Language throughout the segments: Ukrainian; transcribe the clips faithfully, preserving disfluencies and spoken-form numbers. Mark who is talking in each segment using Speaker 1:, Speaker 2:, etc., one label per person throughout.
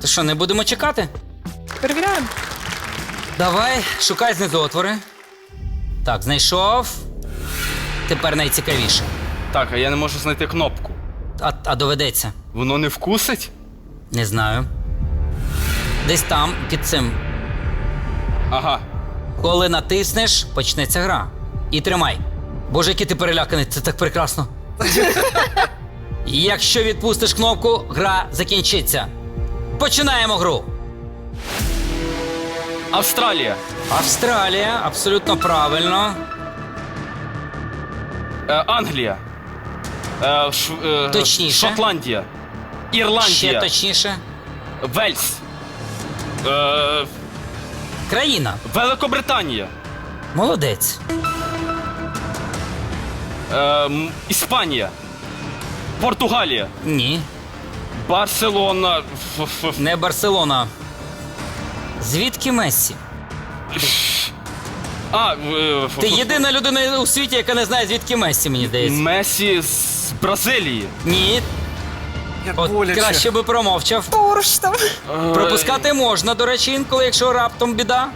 Speaker 1: То що, не будемо чекати?
Speaker 2: Перевіряємо.
Speaker 1: Давай, шукай знизу отвори. Так, знайшов. Тепер найцікавіше.
Speaker 3: Так, а я не можу знайти кнопку.
Speaker 1: А, а доведеться.
Speaker 3: Воно не вкусить?
Speaker 1: Не знаю. Десь там, під цим.
Speaker 3: Ага.
Speaker 1: Коли натиснеш, почнеться гра. І тримай. Боже, який ти переляканий, це так прекрасно. Якщо відпустиш кнопку, гра закінчиться. Починаємо гру.
Speaker 3: Австралія.
Speaker 1: Австралія, абсолютно правильно.
Speaker 3: Е, Англія. Е, Ш, е,
Speaker 1: Точніше.
Speaker 3: Шотландія.
Speaker 1: Ще
Speaker 3: Ірландія.
Speaker 1: точніше.
Speaker 3: Вельс. Е,
Speaker 1: Країна.
Speaker 3: Великобританія.
Speaker 1: Молодець.
Speaker 3: Е, м, Іспанія. Португалія.
Speaker 1: Ні.
Speaker 3: Барселона. Ф- ф-
Speaker 1: Не Барселона. Звідки Мессі?
Speaker 3: А, е, ф-
Speaker 1: Ти
Speaker 3: ф-
Speaker 1: єдина людина у світі, яка не знає, звідки Мессі, мені здається.
Speaker 3: Месі з Бразилії.
Speaker 1: Ні.
Speaker 2: Як
Speaker 1: От
Speaker 2: боляче.
Speaker 1: краще би промовчав.
Speaker 2: Поруч там.
Speaker 3: Е,
Speaker 1: Пропускати можна, до речі, інколи, якщо раптом біда.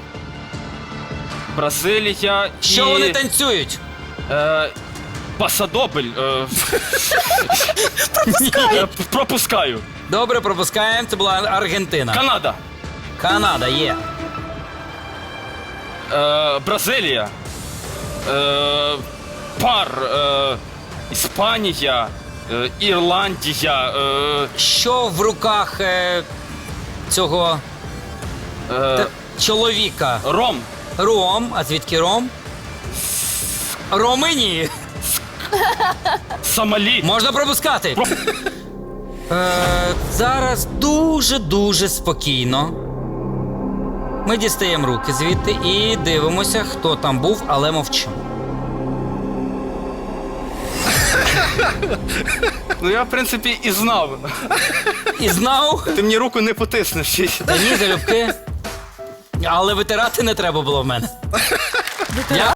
Speaker 3: Бразилія і...
Speaker 1: Що вони танцюють?
Speaker 3: Е, Пасадобль. Е, е, пропускаю.
Speaker 1: Добре, пропускаємо. Це була Аргентина.
Speaker 3: Канада.
Speaker 1: Канада є.
Speaker 3: Е, Бразилія. Е, пар. Е, Іспанія. Е, Ірландія. Е,
Speaker 1: Що в руках е, цього
Speaker 3: е,
Speaker 1: та- чоловіка?
Speaker 3: Ром.
Speaker 1: Ром. А звідки Ром? Ромині.
Speaker 3: Сомалі.
Speaker 1: Можна пропускати.
Speaker 3: Про-
Speaker 1: Е, зараз дуже-дуже спокійно. Ми дістаємо руки звідти і дивимося, хто там був, але мовчимо.
Speaker 3: Ну я, в принципі, і знав.
Speaker 1: І знав,
Speaker 3: Ти мені руку не потиснеш.
Speaker 1: та ні, залюбки. Але витирати не треба було в мене. Я